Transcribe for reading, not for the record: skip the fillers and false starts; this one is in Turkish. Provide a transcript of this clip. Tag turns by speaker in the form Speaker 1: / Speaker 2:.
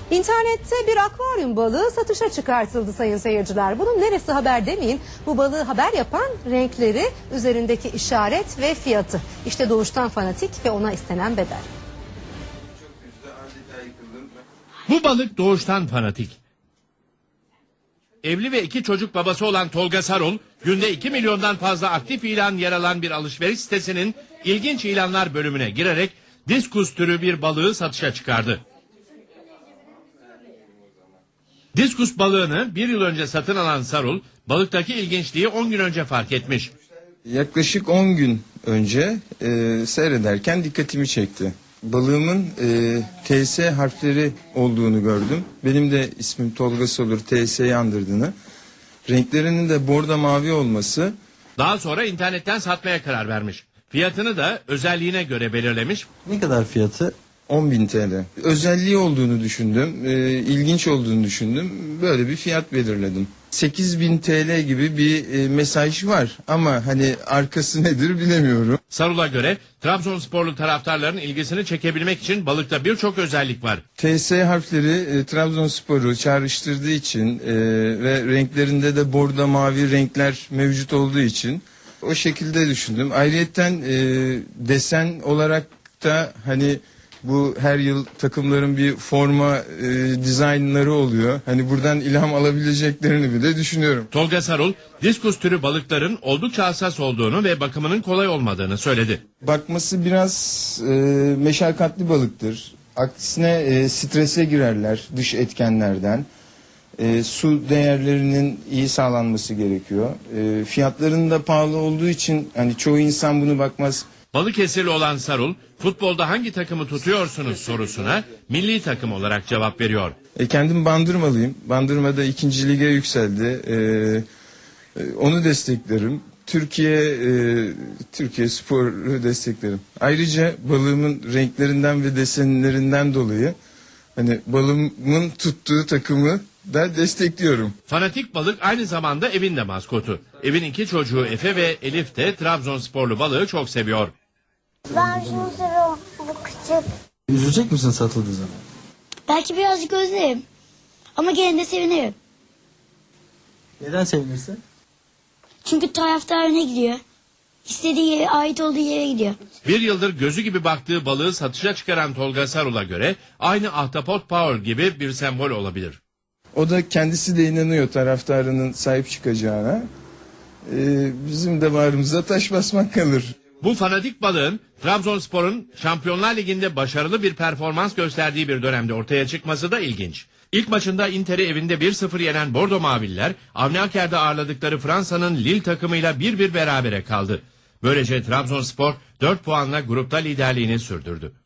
Speaker 1: İnternette bir akvaryum balığı satışa çıkartıldı sayın seyirciler. Bunun neresi haber demeyin. Bu balığı haber yapan renkleri, üzerindeki işaret ve fiyatı. İşte Doğuştan Fanatik ve ona istenen bedel.
Speaker 2: Bu balık Doğuştan Fanatik. Evli ve 2 çocuk babası olan Tolga Sarul, günde 2 milyondan fazla aktif ilan yer alan bir alışveriş sitesinin ilginç ilanlar bölümüne girerek diskus türü bir balığı satışa çıkardı. Diskus balığını 1 yıl önce satın alan Sarul, balıktaki ilginçliği 10 gün önce fark etmiş.
Speaker 3: Yaklaşık 10 gün önce seyrederken dikkatimi çekti. Balığımın TS harfleri olduğunu gördüm. Benim de ismim Tolga Sarul, TS'yi andırdığını. Renklerinin de bordo mavi olması.
Speaker 2: Daha sonra internetten satmaya karar vermiş. Fiyatını da özelliğine göre belirlemiş.
Speaker 4: Ne kadar fiyatı?
Speaker 3: 10.000 TL. Özelliği olduğunu düşündüm, ilginç olduğunu düşündüm. Böyle bir fiyat belirledim. 8.000 TL gibi bir mesaj var ama hani arkası nedir bilemiyorum.
Speaker 2: Sarul'a göre Trabzonsporlu taraftarların ilgisini çekebilmek için balıkta birçok özellik var.
Speaker 3: TS harfleri Trabzonspor'u çağrıştırdığı için ve renklerinde de bordo mavi renkler mevcut olduğu için o şekilde düşündüm. Ayrıyeten desen olarak da hani bu her yıl takımların bir forma dizaynları oluyor. Hani buradan ilham alabileceklerini bile düşünüyorum.
Speaker 2: Tolga Sarul, diskus türü balıkların oldukça hassas olduğunu ve bakımının kolay olmadığını söyledi.
Speaker 3: Bakması biraz meşakkatli balıktır. Aksine strese girerler dış etkenlerden. Su değerlerinin iyi sağlanması gerekiyor. Fiyatlarının da pahalı olduğu için hani çoğu insan bunu bakmaz.
Speaker 2: Balıkesirli olan Sarul, futbolda hangi takımı tutuyorsunuz sorusuna milli takım olarak cevap veriyor.
Speaker 3: Kendim Bandırmalıyım. Bandırma'da 2. lige yükseldi. Onu desteklerim. Türkiye Spor'u desteklerim. Ayrıca balığımın renklerinden ve desenlerinden dolayı hani balığımın tuttuğu takımı da destekliyorum.
Speaker 2: Fanatik balık aynı zamanda evin de maskotu. Evin 2 çocuğu Efe ve Elif de Trabzonsporlu balığı çok seviyor.
Speaker 5: Ben şunu seviyorum, bu küçük.
Speaker 4: Üzülecek misin satıldığı zaman?
Speaker 5: Belki birazcık özlerim. Ama gene de sevinirim.
Speaker 4: Neden sevinirsin?
Speaker 5: Çünkü taraftar öne gidiyor. İstediği yere, ait olduğu yere gidiyor.
Speaker 2: 1 yıldır gözü gibi baktığı balığı satışa çıkaran Tolga Sarul'a göre aynı ahtapot Power gibi bir sembol olabilir.
Speaker 3: O da kendisi de inanıyor taraftarının sahip çıkacağına. Bizim de bağrımıza taş basmak kalır.
Speaker 2: Bu fanatik balığın Trabzonspor'un Şampiyonlar Ligi'nde başarılı bir performans gösterdiği bir dönemde ortaya çıkması da ilginç. İlk maçında Inter'i evinde 1-0 yenen Bordo Mavililer, Avni Aker'de ağırladıkları Fransa'nın Lille takımıyla 1-1 berabere kaldı. Böylece Trabzonspor 4 puanla grupta liderliğini sürdürdü.